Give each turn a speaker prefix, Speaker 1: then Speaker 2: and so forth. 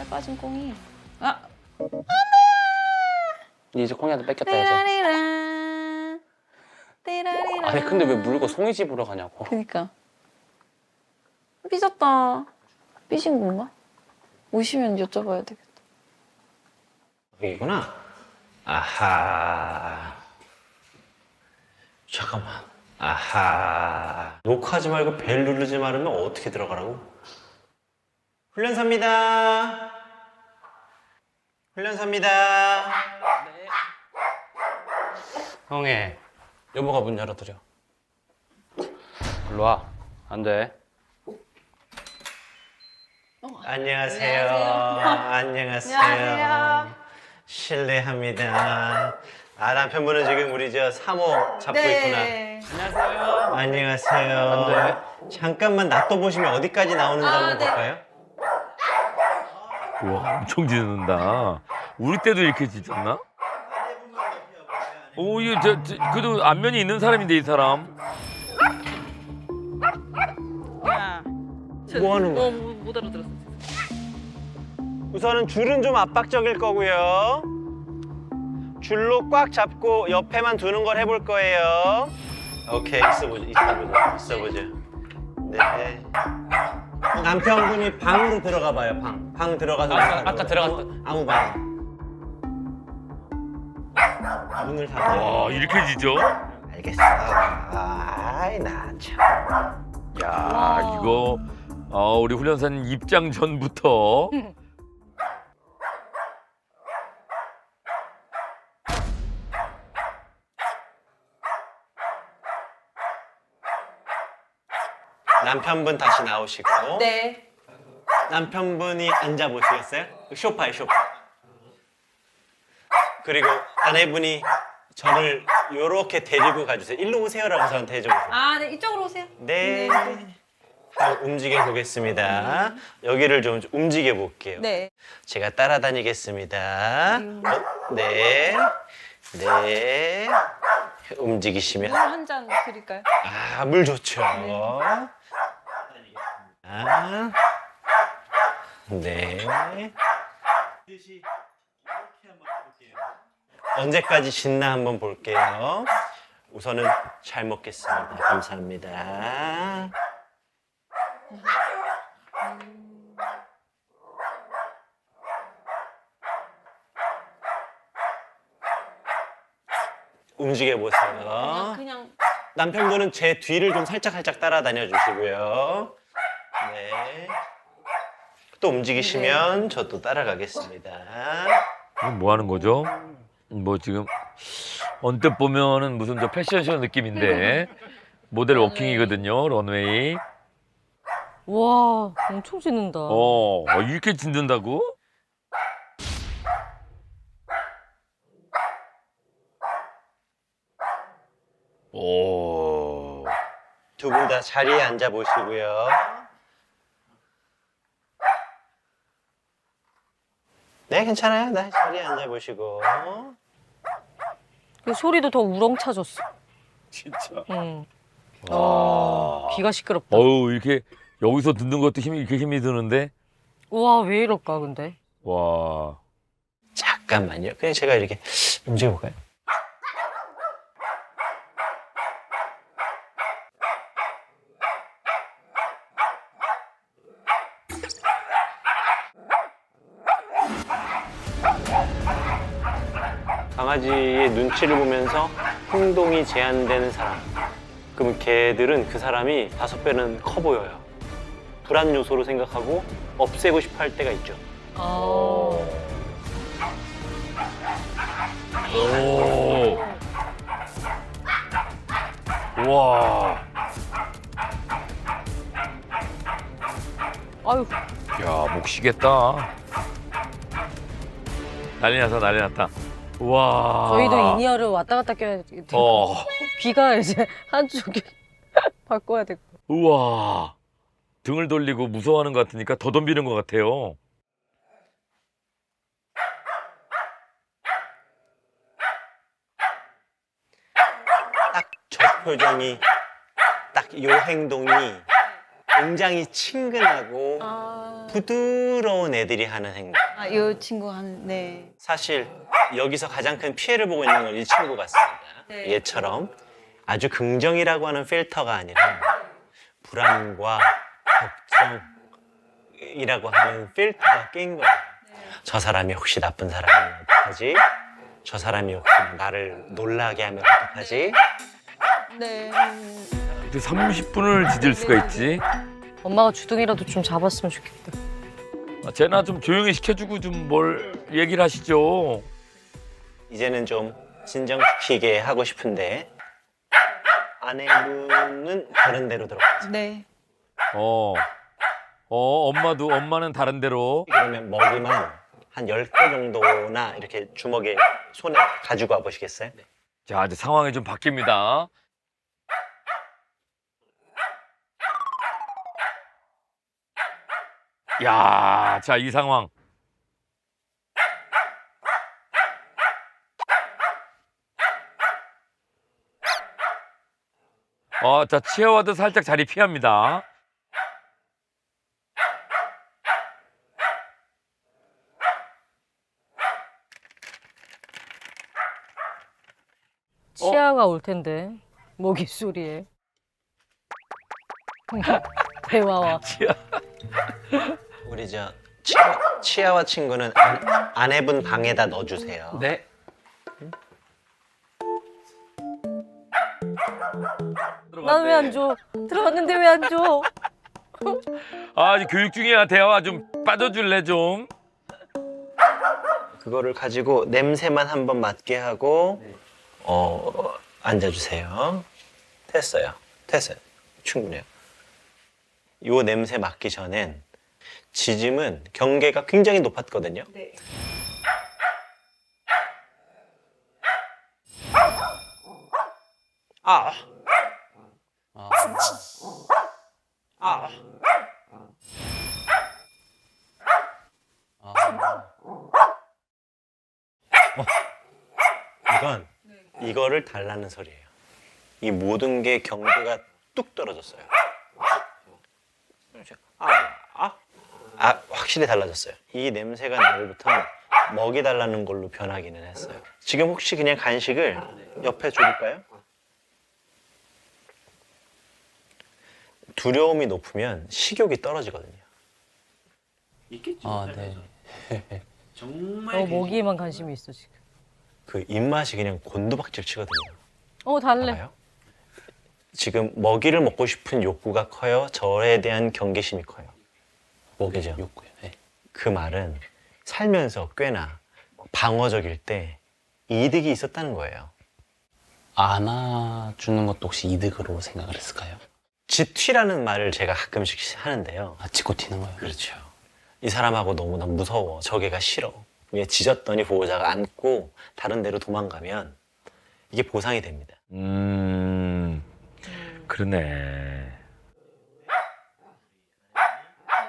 Speaker 1: 살 빠진 꽁이. 아!
Speaker 2: 이제 콩이한테 뺏겼다 해서.
Speaker 1: 띠라리라. 띠라리라.
Speaker 2: 아니 근데 왜 물고 송이 집으로 가냐고.
Speaker 1: 그니까. 삐졌다. 삐진 건가? 오시면 여쭤봐야 되겠다.
Speaker 3: 여기구나. 아하. 잠깐만. 아하. 녹화하지 말고 벨 누르지 말으면 어떻게 들어가라고? 훈련사입니다. 훈련사입니다.
Speaker 2: 네.
Speaker 3: 형애.
Speaker 2: 여보가 문 열어드려. 일로 와. 안 돼.
Speaker 3: 안녕하세요. 안녕하세요.
Speaker 1: 안녕하세요.
Speaker 3: 실례합니다. 아, 남편분은 지금 우리 저 사모 잡고 있구나.
Speaker 2: 안녕하세요.
Speaker 3: 안녕하세요.
Speaker 2: 안
Speaker 3: 잠깐만 놔둬보시면 어디까지 나오는지 한번
Speaker 1: 네.
Speaker 3: 볼까요?
Speaker 4: 우와, 엄청 짖는다. 우리 때도 이렇게 짖었나? 오, 이거 그래도 안면이 있는 사람인데, 이 사람.
Speaker 1: 야.
Speaker 3: 뭐 하는 거야?
Speaker 1: 못 알아들었어.
Speaker 3: 우선은 줄은 좀 압박적일 거고요. 줄로 꽉 잡고 옆에만 두는 걸 해볼 거예요. 오케이, 있어보자. 네. 남편분이 방으로 들어가 봐요, 방 들어가서.
Speaker 2: 아까 들어갔다.
Speaker 3: 아무 방. 문을 닫아.
Speaker 4: 와, 이렇게 짖어?
Speaker 3: 알겠어. 아이, 나 참.
Speaker 4: 야, 이거, 우리 훈련사님 입장 전부터.
Speaker 3: 남편분 다시 나오시고.
Speaker 1: 네.
Speaker 3: 남편분이 앉아보시겠어요? 소파에 소파. 그리고 아내분이 저를 요렇게 데리고 가주세요. 일로 오세요라고 저한테 해줘보세요.
Speaker 1: 아, 네. 이쪽으로 오세요.
Speaker 3: 네. 한번 움직여 보겠습니다. 여기를 좀 움직여 볼게요.
Speaker 1: 네.
Speaker 3: 제가 따라다니겠습니다. 네. 네. 움직이시면.
Speaker 1: 한 잔 드릴까요?
Speaker 3: 아, 물 좋죠. 아, 네. 언제까지 짖나 한번 볼게요. 우선은 잘 먹겠습니다. 감사합니다. 움직여 보세요.
Speaker 1: 그냥
Speaker 3: 남편분은 제 뒤를 좀 살짝 따라다녀 주시고요. 네. 또 움직이시면 저도 따라가겠습니다.
Speaker 4: 이건 뭐 하는 거죠? 뭐 지금, 언뜻 보면은 무슨 저 패션쇼 느낌인데. 모델 워킹이거든요, 런웨이.
Speaker 5: 와, 엄청 짖는다.
Speaker 4: 이렇게 짖는다고? 오.
Speaker 3: 두 분 다 자리에 앉아 보시고요. 네, 괜찮아요. 네, 자리에 앉아 보시고.
Speaker 5: 그 소리도 더 우렁차졌어.
Speaker 4: 진짜.
Speaker 5: 응.
Speaker 4: 와.
Speaker 5: 귀가 시끄럽다.
Speaker 4: 어우, 이렇게 여기서 듣는 것도 이렇게 힘이 드는데.
Speaker 5: 와, 왜 이럴까, 근데?
Speaker 4: 와.
Speaker 3: 잠깐만요. 그냥 제가 이렇게 움직여 볼까요? 강아지의 눈치를 보면서 행동이 제한되는 사람. 그러면 걔들은 그 사람이 5배는 커 보여요. 불안 요소로 생각하고 없애고 싶어 할 때가 있죠.
Speaker 5: 아.
Speaker 4: 오. 와.
Speaker 5: 아유,
Speaker 4: 야, 목 쉬겠다. 난리 났다, 난리 났다. 와.
Speaker 5: 저희도 이니어를 왔다 갔다 껴야 돼. 귀가 이제 한쪽이 바꿔야 될 거.
Speaker 4: 우와. 등을 돌리고 무서워하는 것 같으니까 더 덤비는 것 같아요.
Speaker 3: 딱 저 표정이, 딱 이 행동이 굉장히 친근하고 부드러운 애들이 하는 행동.
Speaker 1: 아, 이 친구 네.
Speaker 3: 사실 여기서 가장 큰 피해를 보고 있는 건 이 친구 같습니다.
Speaker 1: 네.
Speaker 3: 얘처럼 아주 긍정이라고 하는 필터가 아니라 불안과 걱정이라고 하는 필터가 낀 거예요. 저 사람이 혹시 나쁜 사람이면 어떡하지? 저 사람이 혹시 나를 놀라게 하면 어떡하지?
Speaker 1: 네.
Speaker 4: 이렇게 30분을 지질 수가 있지.
Speaker 5: 엄마가 주둥이라도 좀 잡았으면 좋겠다.
Speaker 4: 아, 쟤나 좀 조용히 시켜주고 좀 뭘 얘기를 하시죠.
Speaker 3: 이제는 좀 진정시키게 하고 싶은데 아내분은 다른 데로 들어가죠.
Speaker 1: 네.
Speaker 4: 엄마는 다른 데로.
Speaker 3: 그러면 먹이만 한 10개 정도나 이렇게 주먹에 손에 가지고 와 보시겠어요?
Speaker 4: 자, 이제 상황이 좀 바뀝니다. 야, 자, 이 상황. 자, 치아와도 살짝 자리 피합니다.
Speaker 5: 치아가 올 텐데 모기 소리에. 대화와.
Speaker 3: 우리 저 치아와 친구는 아내분 방에다 넣어주세요.
Speaker 2: 네.
Speaker 5: 난 왜 안 줘? 들어갔는데 왜 안 줘?
Speaker 4: 아, 이제 교육 중이야. 대화 좀 빠져줄래 좀.
Speaker 3: 그거를 가지고 냄새만 한번 맡게 하고 앉아주세요. 됐어요. 충분해요. 요 냄새 맡기 전엔 지짐은 경계가 굉장히 높았거든요.
Speaker 1: 네.
Speaker 3: 아,
Speaker 2: 아,
Speaker 3: 아. 이거를 달라는 소리예요. 이 모든 게 경계가 뚝 떨어졌어요. 확실히 달라졌어요. 이 냄새가 나기부터 먹이 달라는 걸로 변하기는 했어요. 지금 혹시 그냥 간식을 옆에 줘볼까요? 두려움이 높으면 식욕이 떨어지거든요.
Speaker 2: 아, 네.
Speaker 5: 모기에만 관심이 있어 지금.
Speaker 3: 그 입맛이 그냥 곤두박질 치거든요.
Speaker 5: 달래.
Speaker 3: 알아요? 지금 먹이를 먹고 싶은 욕구가 커요? 저에 대한 경계심이 커요? 먹이죠.
Speaker 2: 욕구요. 네.
Speaker 3: 그 말은 살면서 꽤나 방어적일 때 이득이 있었다는 거예요.
Speaker 2: 안아주는 것도 혹시 이득으로 생각을 했을까요?
Speaker 3: 지튀라는 말을 제가 가끔씩 하는데요.
Speaker 2: 아, 짖고 튀는 거요?
Speaker 3: 그렇죠. 이 사람하고 너무나 무서워. 저 개가 싫어. 얘 짖었더니 보호자가 안고 다른 데로 도망가면 이게 보상이 됩니다.
Speaker 4: 그러네.